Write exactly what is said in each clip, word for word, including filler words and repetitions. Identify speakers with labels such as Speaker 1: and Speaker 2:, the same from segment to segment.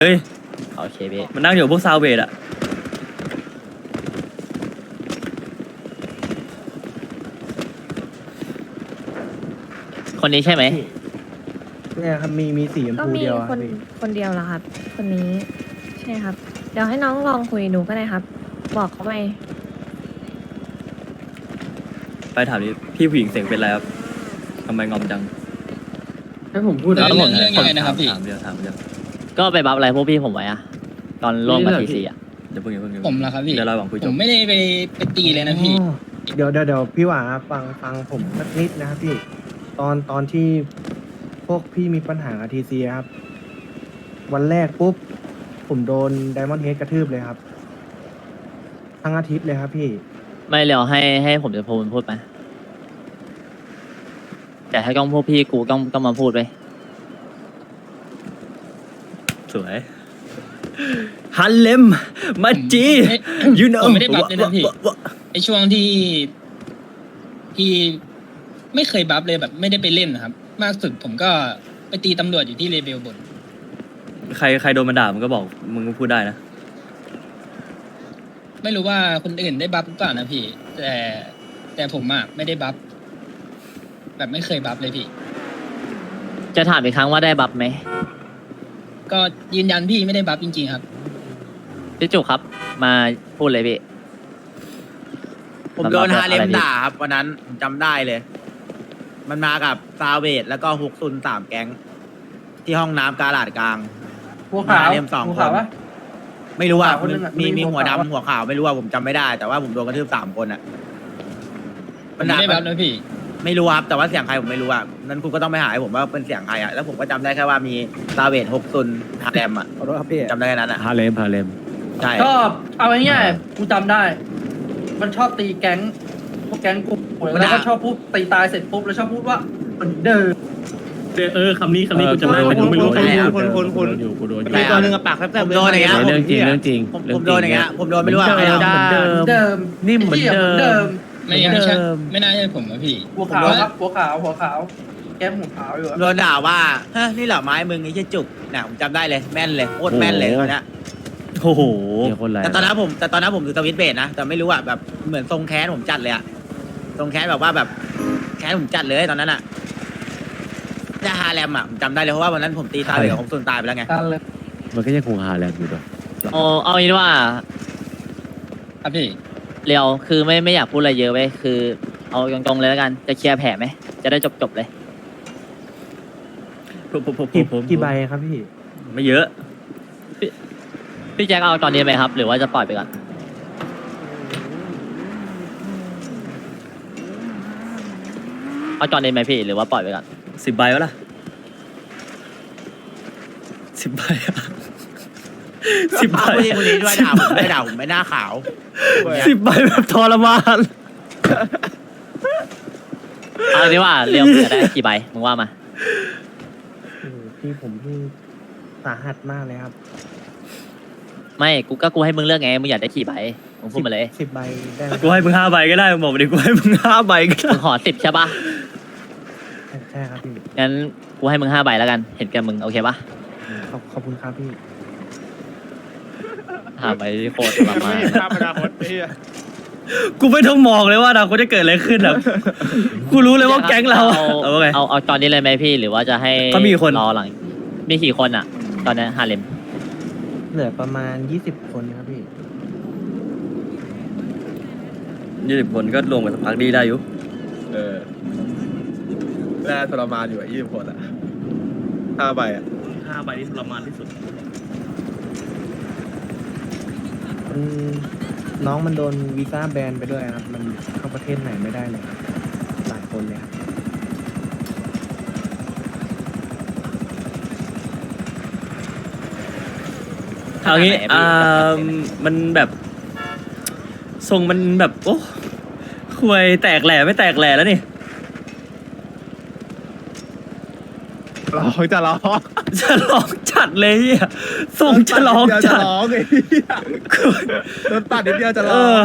Speaker 1: เฮ้ย
Speaker 2: โอเคพี่
Speaker 1: มันนั่งอยู่พวกซาวเวดอะ
Speaker 2: คนนี้ใช่ไหม
Speaker 3: เนี่ยครับมีมีสีชม
Speaker 4: ก็
Speaker 3: พู
Speaker 4: มี
Speaker 3: เดียว
Speaker 4: คน
Speaker 3: พี่
Speaker 4: คนเดียวเหรอครับ คนนี้ ใช่ครับ เดี๋ยวให้น้องลองคุยดูก็ได้ครับ บอกเขาไป
Speaker 1: ไปถามดิพี่ผู้หญิงเสียงเป็นไรครับทำไมงอมจัง
Speaker 3: ให้ผมพูด
Speaker 2: แล้
Speaker 3: นะ
Speaker 2: วผม
Speaker 5: เรื่องยังไงนะครับพี่
Speaker 1: ถามเดียวถามเดียว
Speaker 2: ก็ไปบัฟอะไรพวกพี่ผมไว้อะตอนร่วมกับทีซีอะ
Speaker 1: เดี๋ยวเพิ่งเดี๋ยวเพิ่งเดี๋ยว
Speaker 5: ผมเหรอครับพี่
Speaker 1: เดี๋ยวเราหวังคุยจ
Speaker 5: ผ
Speaker 1: บ
Speaker 5: มไม่ได้ไปไปตีเลยนะพี่
Speaker 3: อ๋อเดี๋ยวเดี๋ยวเดี๋ยวพี่หวาฟังฟังผมสักนิดนะครับพี่ ตอนตอนที่พวกพี่มีปัญหากับทีซีครับ วันแรกปุ๊บ ผมโดนไดมอนด์เฮดกระทืบเลยครับ ทั้งอาทิตย์เลยครับพี่
Speaker 2: ไม่เร็วให้ให้ผมจะพูดพูดไปแต่ให้กล้องพวกพี่กูต้องต้องมาพูดไป
Speaker 1: สวยฮันเลมมาจี
Speaker 5: ไม่
Speaker 1: you know
Speaker 5: ผมไม่ได้บัฟเลยนะพี่
Speaker 1: วะวะ
Speaker 5: ไอช่วงที่ที่ไม่เคยบัฟเลยแบบไม่ได้ไปเล่นนะครับ มากสุดผมก็ไปตีตำรวจอยู่ที่เลเบลบน
Speaker 1: ใครใครโดนมันด่ามึงก็บอกมึงก็พูดได้นะ
Speaker 5: ไม่รู้ว่าคนอื่นได้บัฟหรือเปล่านะพี่ แต่แต่ผมอะไม่ได้บัฟแบบไม่เคยบัฟเลยพี่
Speaker 2: จะถามอีกครั้งว่าได้บัฟไหม
Speaker 5: ก็ยืนยันพี่ไม่ได้บัฟจริงๆครับ
Speaker 2: พี่จุกครับ มาพูดเลยพี่
Speaker 6: ผมโดน
Speaker 2: มันมา
Speaker 6: ฮาเลม
Speaker 2: อะไรพี่
Speaker 6: ด่าครับวันนั้นผมจำได้เลย มันมากับซาเวดแล้วก็ฮุกซุนสามแก๊ง ที่ห้องน้ำกาลาดกลาง
Speaker 3: หัวขาว
Speaker 6: ฮาเลมสอง
Speaker 3: หัว
Speaker 6: ค
Speaker 3: ขาวน ปะ
Speaker 6: ไม่รู้ว่า
Speaker 3: หัวขาวคนนึงอะ
Speaker 6: มี
Speaker 3: มี
Speaker 6: มี
Speaker 3: หั
Speaker 6: หั
Speaker 3: ว
Speaker 6: ว
Speaker 3: ขาว
Speaker 6: ดำหัวขาวไม่รู้ว่าผมจำไม่ได้ แต่ว่าผมโดนกระทืบสามคนอ่ะ
Speaker 5: ผมไม่ได้บัฟนะพี่
Speaker 6: ไม่รู้ครับแต่ว่าเสียงใครผมไม่รู้อ่ะนั้นคุณก็ต้องไปหาให้ผมว่าเป็นเสียงใครอ่ะแล้วผมก็จำได้แค่ว่ามีซาเวดฮุกซุนฮาเลมอ่ะ
Speaker 3: ขอโทษครับพี่
Speaker 6: จำได้แค่นั้นอ่ะ
Speaker 7: ฮาเลมฮาเลม
Speaker 6: ใช่
Speaker 8: ชอบเอาง่ายๆกูจำได้ มันชอบตีแก๊งพวกแก๊งกูแล้วก็ชอบพูดตีตายเสร็จปุ๊บแล้วชอบพูดว่าเหมือนเดิม
Speaker 7: เออคำนี้คำนี้กูจำได้แต่กูไม่รู้
Speaker 6: ใช่ครับ
Speaker 7: คนคนคนอยู่กูโดนอยู่
Speaker 6: มีตัวหนึ่งกับปากแซ่บๆโดนอย่างเงี้ย
Speaker 7: เรื่องจริงเรื่องจริง
Speaker 6: ผมผมโดนอย่างเงี้ยผมโดนไม่รู้ว่าใคร
Speaker 7: เหมือน
Speaker 6: ทำ
Speaker 7: เดิม
Speaker 8: เดิม
Speaker 7: นิ่มเหมือนเดิม
Speaker 8: เดิม
Speaker 5: ไม่ไม่ใช่ไม่น่าใช่ผมนะพี่
Speaker 8: หัวขาวครับหัวขาวหัวขาว แก้มหัวขาวอยู่อะ
Speaker 6: โดนด่าว่าเฮ้ยนี่เหรอไม้มึงไอ้เชี่ยจุกเนี่ยผมจำได้เลยแม่นเลยโคตรแม่นเลยตอนเนี้ย
Speaker 1: โอ้โห
Speaker 7: มีคนไร
Speaker 6: แต่ตอนนั้นผมแต่ตอนนั้นผมถือสวิตช์เบรดนะแต่ไม่รู้อ่ะแบบเหมือนทรงแค้นผมจัดเลยอ่ะทรงแค้นแบบว่าแบบแค้นผมจัดเลยตอนนั้นอ่ะจะฮาแรมอ่ะผมจำได้เลยเพราะว่าวันนั้นผมตีตาเหลืองของส่วนตายไปแล้วไง
Speaker 8: กันเลย
Speaker 7: มันก็ยังคงฮาเลมอยู่ด้วย
Speaker 2: เอาเอางี้ดีกว่า
Speaker 5: ครับพี่
Speaker 2: เรียวคือไม่ไม่อยากพูดอะไรเยอะไปคือ เอาตรงๆเลยแล้วกันจะเคลียร์แผลไหมจะได้จบจบๆเลย
Speaker 1: ผมผมผม
Speaker 3: กี่
Speaker 1: ผม
Speaker 3: กี่ใบครับพี่
Speaker 1: ไม่เยอะ
Speaker 2: พี่แจ็คเอาตอนนี้ไหมครับ หรือว่าจะปล่อยไปก่อนเอาตอนนี้ไหมพี่หรือว่าปล่อยไปก่อน
Speaker 1: สิบใบวะล่ะสิบใบอะสิบใบ
Speaker 6: พูดที่คนนี้ด้วยด่าผมไม่ด่าผมไม่หน้าขาว
Speaker 1: สิบใบแบบทรมาน
Speaker 2: เอาดีว่าเรียวจะได้กี่ใบมึงว่ามา
Speaker 3: โอ้โหพี่ผมพี่สาหัสมากเลยครับ
Speaker 2: ไม่กูก็กูให้มึงเลือกไงมึงอยากได้กี่ใบมึงพูดมาเลย
Speaker 3: สิบใบได้ไหม
Speaker 1: กูให้มึงห้าใบก็ได้มึงบอกมาดิกูให้มึงห้าใบก็ได้
Speaker 2: มึงขอสิบใช่ปะ
Speaker 3: ใช่ครับพี่
Speaker 2: งั้นกูให้มึงห้าใบแล้วกันเห็นแกมึงโอเคปะ
Speaker 3: ขอบขอบคุณครับพี่
Speaker 2: ห้าใบโคตรทรมาน
Speaker 1: กูไม่ต้องมองเลยว่าอนาคตจะเกิดอะไรขึ้นอ่ะกูรู้เลยว่าแก๊งเรา
Speaker 2: เอา
Speaker 1: เอาไง
Speaker 2: เอาเอาตอนนี้เลยไหมพี่หรือว่าจะให้
Speaker 1: เขามีคน
Speaker 2: รอหลังมีกี่คนอ่ะ ตอนนี้ฮาเลม
Speaker 3: เหลือประมาณยี่สิบคนครับพี่
Speaker 1: ยี่สิบคนก็รวมกับสักพักดีได้อยู่
Speaker 9: เออแร่ทรมานอยู่อ่ะยี่สิบคนอ่ะห้าใบอ่ะ
Speaker 7: ห้าใบที่ทรมานที่สุด
Speaker 3: มันน้องมันโดนวีซ่าแบนไปด้วยครับ มันเข้าประเทศไหนไม่ได้เลยครับ หลายคนเลยครับ
Speaker 1: เอางี้อ่ามันแบบทรงมันแบบโอ้ควยแตกแหล่ไม่แตกแหล่แล้วนี่
Speaker 9: ร้องจะร้อง
Speaker 1: จะร้องจัดเลยเฮียทรงจะร้อง
Speaker 9: จะ
Speaker 1: จัด
Speaker 9: ร้องไอ้โดนปัดนิดเดียวจะ
Speaker 1: เอ
Speaker 9: ร้อง
Speaker 1: อ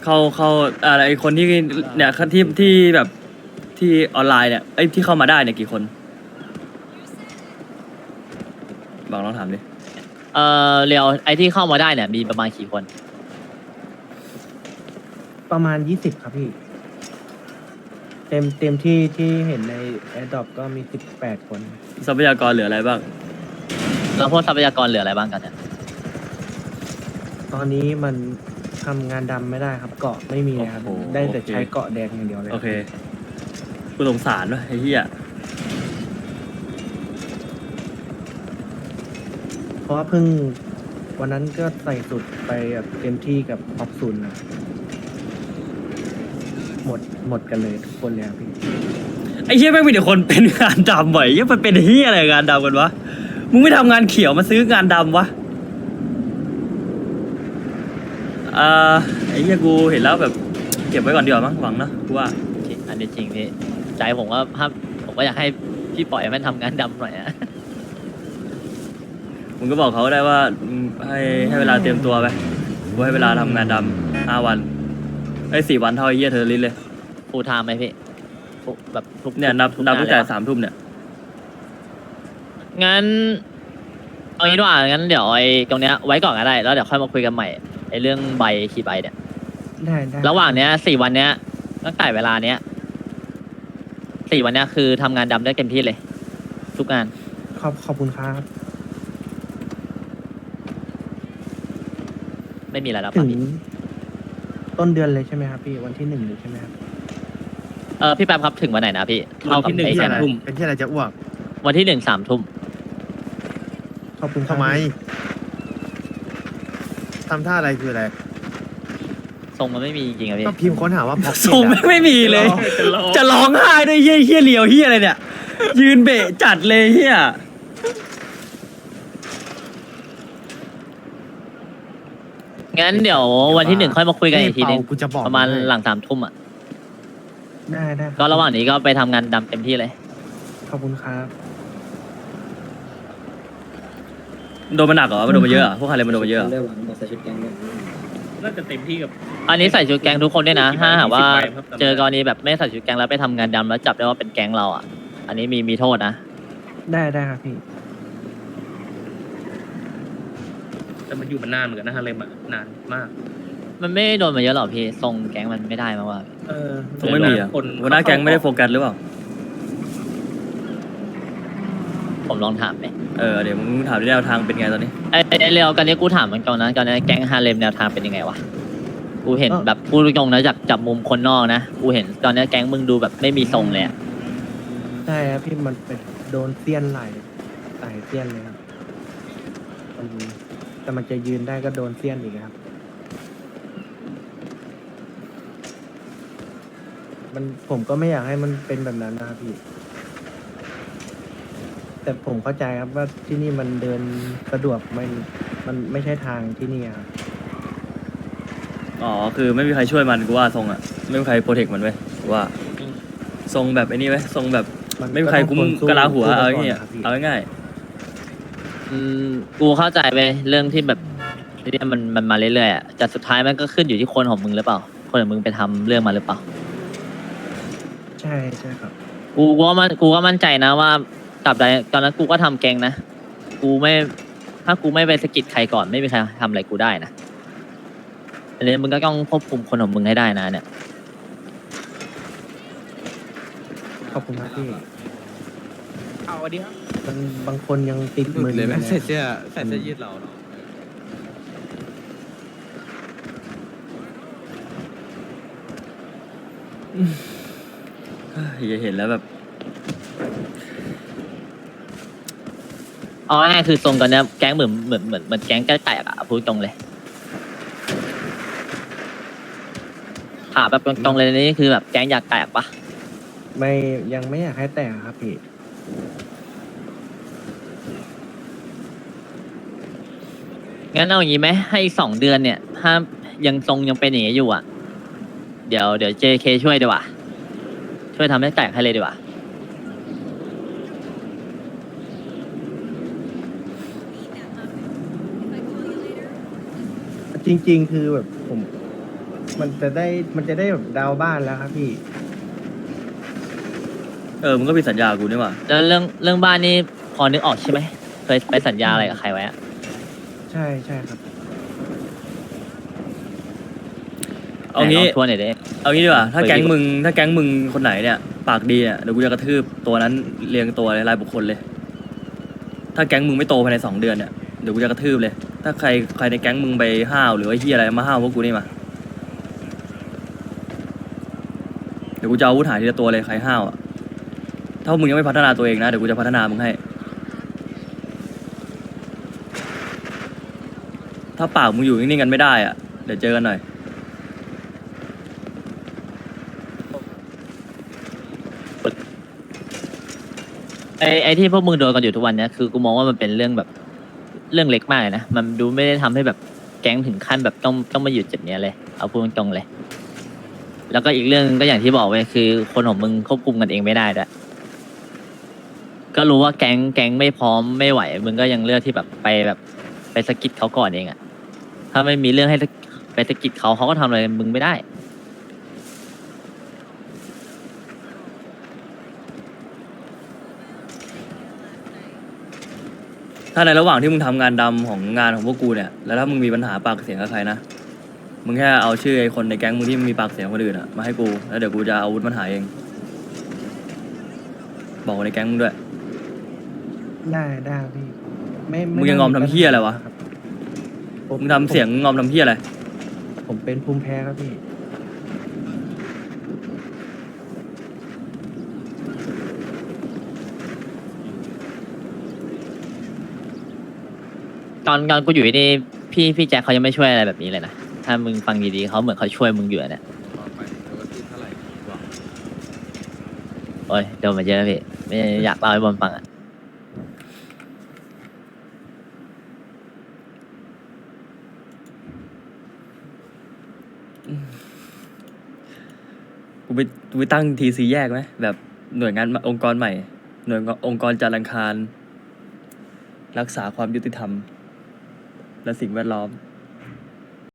Speaker 1: เข้าเข้าอะไรคนที่เนี่ยที่ที่แบบที่ออนไลน์เนี่ยไอ้ยที่เข้ามาได้เนี่ยกี่คนบอกลองถามดิ
Speaker 2: เออเรียวไอที่เข้ามาได้เนี่ยมีประมาณกี่คน
Speaker 3: ประมาณยี่สิบครับพี่ เต็มเต็มที่ที่เห็นในแอดดอปก็มีสิบแปดคน
Speaker 1: ทรัพยากรเหลืออะไรบ้าง
Speaker 2: แล้วพวกทรัพยากรเหลืออะไรบ้างกันเนี่ย
Speaker 3: ตอนนี้มันทำงานดำไม่ได้ครับ เกาะไม่มีเลยครับ
Speaker 1: โอ้โห
Speaker 3: ได้แต่
Speaker 1: โอเค
Speaker 3: ใช้เกาะแดงอย่างเดียวเลย
Speaker 1: โอเคกูสงสารวะไอ้เหี้ย
Speaker 3: เพราะว่าเพิ่งวันนั้นก็ใส่สุดไปแบบเต็มที่กับออกซุนนะหมดหมดกันเลยทุกคนเลยครับพี่
Speaker 1: ไอ้เหี้ยแม่งมีแต่คนเป็นงานดำไหวเหี้ยมันเป็นเหี้ยอะไรงานดำกันวะมึงไม่ทำงานเขียวมาซื้องานดำวะอ่าไอ้เหี้ยกูเห็นแล้วแบบเก็บไว้ก่อนดีกว่ามั้งหวังนะกูว่า
Speaker 2: จริงอันนี้จริงพี่ใจผมว่าภาพผมก็อยากให้พี่ปล่อยมันทำงานดำหน่อยนะ
Speaker 1: มึงก็บอกเขาได้ว่าอืมให้ให้เวลาเตรียมตัวไปกูให้เวลาทำงานดำห้าวันไอ้ยสี่วันเท่าไอ้เหี้ยเธอริสเลย
Speaker 2: ฟูลไทม์ไหมพี่ฟูลแบบทุก
Speaker 1: เนี่ยนับ
Speaker 2: ทุก
Speaker 1: นับ
Speaker 2: งา
Speaker 1: ตั้งแต่
Speaker 2: เลยปะ
Speaker 1: สามทุ่มเนี่ย
Speaker 2: งั้นเอางี้ดีกว่างั้นเดี๋ยวไอ้ตรงเนี้ยไว้ก่อนก็ได้แล้วเดี๋ยวค่อยมาคุยกันใหม่ไอ้เรื่องใบขี่ใบเนี่ย
Speaker 3: ได้ได้
Speaker 2: ระหว่างเนี้ยสี่วันเนี้ยตั้งแต่เวลาเนี้ยสี่วันเนี้ยคือทำงานดำได้เต็มที่เลย ทุกงาน
Speaker 3: ขอบขอบคุณครับ
Speaker 2: ไม่มีอะไรแล้ว
Speaker 3: ถึ
Speaker 2: ป่ะ
Speaker 3: ง
Speaker 2: พี่
Speaker 3: ต้นเดือนเลยใช่ไหมครับพี่วันที่หนึ่งเลยใช่ไหมครับ
Speaker 2: เออพี่แป๊บครับถึงวันไหนนะพี่เท่ากับไอ้แค่นั้น
Speaker 9: เป็นที่อะไรจะอ้วก
Speaker 2: วันที่หนึ่งสามทุ่ม
Speaker 3: ขอบคุณครับ
Speaker 9: ทำไมทำท่าอะไรคืออะไร
Speaker 2: ทรงมันไม่มีจริงๆอะพี่
Speaker 9: ก็พิมพ์ค้นหาว่าพ็อก
Speaker 1: ส่งไม่ไม่มีเลย จะร้องไห้ด้วยเฮี้ยเฮี้ยเลียวเฮี้ยอะไรเนี่ย ยืนเบะจัดเลยเฮี้ย
Speaker 2: งั้นเดี๋ยววันที่หนึ่งค่อยมาคุยกันอีกทีนึง
Speaker 9: กูจะบอก
Speaker 2: ประมาณหลังสามทุ่มอ่ะ
Speaker 3: ได้ได้คบ
Speaker 2: ก็ระหว่างนี้ก็ไปทำงานดำเต็มที่เลย
Speaker 3: ขอบคุณครับ
Speaker 1: โดนมันหนักเหรอมันโดนมาเยอะเหรอพวกใครเลยมันโดนมาเยอะเหรอ
Speaker 7: น่าจะเต็มที่กับ
Speaker 2: อันนี้ใส่ชุดแก๊งทุกคนด้วยนะ ถ้าหากว่า
Speaker 7: ยี่สิบใบครับ
Speaker 2: เจอกรณีแบบไม่ใส่ชุดแก๊งแล้วไปทำงานดำแล้วจับได้ว่าเป็นแก๊งเราอ่ะ อันนี้มีมีโทษนะ
Speaker 3: ได้ได้ครับพี่
Speaker 7: แต่มันอยู่มานานเหมือนกันนะฮาเลมอะนานมาก
Speaker 2: มันไม่โดนมาเยอะหรอกพี่ทรงแก๊งมันไม่ได้มากว่า
Speaker 7: เออ
Speaker 1: ส่งไม่มีอ่ะ
Speaker 7: คน
Speaker 1: หัวหน้าแก๊งไม่ได้โฟกัสหรือเปล่า
Speaker 2: ผมลองถามไหม
Speaker 1: เออเดี๋ยวมึงถามที่แนวทางเป็นไงตอนนี้
Speaker 2: ไอ้ไอ้เรียวกันนี้กูถามมันก่อนนะกันนี้แก๊งฮาเลมแนวทางเป็นยังไงวะกูเห็น
Speaker 3: เอ้า
Speaker 2: แบบพูดตรงๆนะจากจับมุมคนนอกนะกูเห็นตอนนี้แก๊งมึงดูแบบไม่มีทรงเลยอะ
Speaker 3: ใช่ครับพี่มันเป็นโดนเสี้ยนไหลไหลเสี้ยนเลยครับมันแต่มันจะยืนได้ก็โดนเสี้ยนอีกครับ มันผมก็ไม่อยากให้มันเป็นแบบนั้นนะครับพี่ แต่ผมเข้าใจครับว่าที่นี่มันเดินสะดวกมันมันไม่ใช่ทางที่นี่ครับ
Speaker 1: อ๋อคือไม่มีใครช่วยมันกูว่าทรงอ่ะไม่มีใครโปรเทคมันไว้ยกูว่าทรงแบบไอ้นี่ไว้ยทรงแบบ
Speaker 3: มัน
Speaker 1: ไม่มีใครคุ้ม
Speaker 3: ต้องคนสู้
Speaker 1: กะลาหัว
Speaker 3: สู้
Speaker 1: เอา
Speaker 3: กันก่อน
Speaker 1: อย่างเงี้ย
Speaker 3: นะครับพี่
Speaker 1: เอาง่าย
Speaker 2: อืมกูเข้าใจไปเรื่องที่แบบเนี่ยมันมันมาเรื่อยๆอะแต่สุดท้ายมันก็ขึ้นอยู่ที่คนของมึงหรือเปล่า คนของมึงไปทำเรื่องมาหรือเปล่า
Speaker 3: ใช่ใช่ครับ
Speaker 2: กูกูว่ามันกูก็มั่นใจนะว่ากับใดตอนนั้นกูก็ทำแกงนะ กูไม่ถ้ากูไม่ไปสะกิดใครก่อนไม่มีใครทำอะไรกูได้นะอันนี้มึงก็ต้องควบคุมคนของมึงให้ได้นะเนี่ย
Speaker 3: ขอบคุณครับพี่
Speaker 9: เอาอันนี้ครับ
Speaker 3: มันบางคนยังติด
Speaker 9: หลุ
Speaker 3: มื
Speaker 9: ด
Speaker 3: อ
Speaker 9: เลยไหม
Speaker 3: นะ
Speaker 9: ใส่เสื้อใส่เสื้อยืดเราเนาะ
Speaker 1: ๆอย่าเห็นแล้วแบบ
Speaker 2: เอาง่ายๆคือทรงตอนเนี้ยแก๊งเหมือนเหมือนเหมือนเหมือนแก๊งใกล้แตกอะพูดตรงเลยถามแบบตรงๆเลยนี่คือแบบแก๊งอยากแตกปะ
Speaker 3: ไม่ยังไม่อยากให้แต่งครับพี่
Speaker 2: งั้นเอาอย่างงี้ไหมให้อีกสองเดือนเนี่ย ถ้ายังทรงยังเป็นอย่างนี้อยู่อ่ะ เดี๋ยวเดี๋ยว เจ เค ช่วยดีกว่า ช่วยทำให้แตกให้เลยดีกว่า
Speaker 3: จริง ๆ คือแบบผมมันจะได้มันจะได้แบบดาวน์บ้านแล้วครับพี่
Speaker 1: เออมึงก็มีสัญญากูนี่หว่า
Speaker 2: แล้วเรื่องเรื่องบ้านนี่พอนึกออกใช่ไหมเคยไปสัญญาอะไรกับใครไว้อะ
Speaker 3: ใช่ใช่ครับ
Speaker 1: เอางี้
Speaker 2: ไหนลงทวนหน่อยดิ
Speaker 1: เอางี้ดีกว่าถ้า
Speaker 2: คุย
Speaker 1: แก๊ง
Speaker 2: ดีกว่า
Speaker 1: มึงถ้าแก๊งมึงคนไหนเนี่ยปากดีเนี่ยเดี๋ยวกูจะกระทืบตัวนั้นเรียงตัวเลยรายบุคคลเลย ถ้าแก๊งมึงไม่โตภายในสองเดือนเนี่ยเดี๋ยวกูจะกระทืบเลย ถ้าใครใครในแก๊งมึงไปห้าวหรือว่าเฮียอะไรมาห้าวพวกกูนี่มาเดี๋ยวกูจะเอาอาวุธหาทีละตัวเลยใครห้าวอ่ะถ้ามึงยังไม่พัฒนาตัวเองนะเดี๋ยวกูจะพัฒนามึงให้ ถ้าปากมึงอยู่นิ่งๆกันไม่ได้อ่ะเดี๋ยวเจอกันหน่อย
Speaker 2: ไอ้ไอ้ที่พวกมึงโดนกันอยู่ทุกวันเนี้ยคือกูมองว่ามันเป็นเรื่องแบบเรื่องเล็กมากเลยนะมันดูไม่ได้ทำให้แบบแก๊งถึงขั้นแบบต้องต้องมาหยุดจุดเนี้ยเลยเอาพูดตรงๆเลย แล้วก็อีกเรื่องนึงก็อย่างที่บอกไปคือคนของมึงควบคุมกันเองไม่ได้ด้วยก็รู้ว่าแก๊งแก๊งไม่พร้อมไม่ไหวมึงก็ยังเลือกที่แบบไปแบบไปสะกิดเขาก่อนเองอะถ้าไม่มีเรื่องให้ไปสะกิดเขาเขาก็ทำอะไรมึงไม่ได้
Speaker 1: ถ้าในระหว่างที่มึงทำงานดำของงานของพวกกูเนี่ยแล้วถ้ามึงมีปัญหาปากเสียงกับใครนะมึงแค่เอาชื่อไอ้คนในแก๊งมึงที่มีปากเสียงคนอื่นอะมาให้กูแล้วเดี๋ยวกูจะเอาอาวุธมันหาเองบอกคนในแก๊งมึงด้วย
Speaker 3: ได้ได้ครับพี่ไม่
Speaker 1: มึงยังงอมทำเหี้ยอะไรวะ
Speaker 3: ครับ
Speaker 1: มึงทำเสียงงอมทำเพี้ยอะไร
Speaker 3: ผมเป็นภูมิแพ้ครับพี่
Speaker 2: ตอนตอนกูอยู่นี่พี่พี่แจ็คเขายังไม่ช่วยอะไรแบบนี้เลยนะถ้ามึงฟังดีๆเขาเหมือนเขาช่วยมึงอยู่อะเนี่ย
Speaker 9: ไปโดนที่เท่าไหร่บอก
Speaker 2: โอ้ยโดนมาเยอะพี่ไม่อยากเล่าให้บอลฟังอ่ะ
Speaker 1: กูไปกูไปตั้งทีซีแยกไหมแบบหน่วยงานองค์กรใหม่ หน่วยองค์กรจัดรังคาร รักษาความยุติธรรม และสิ่งแวดล้อม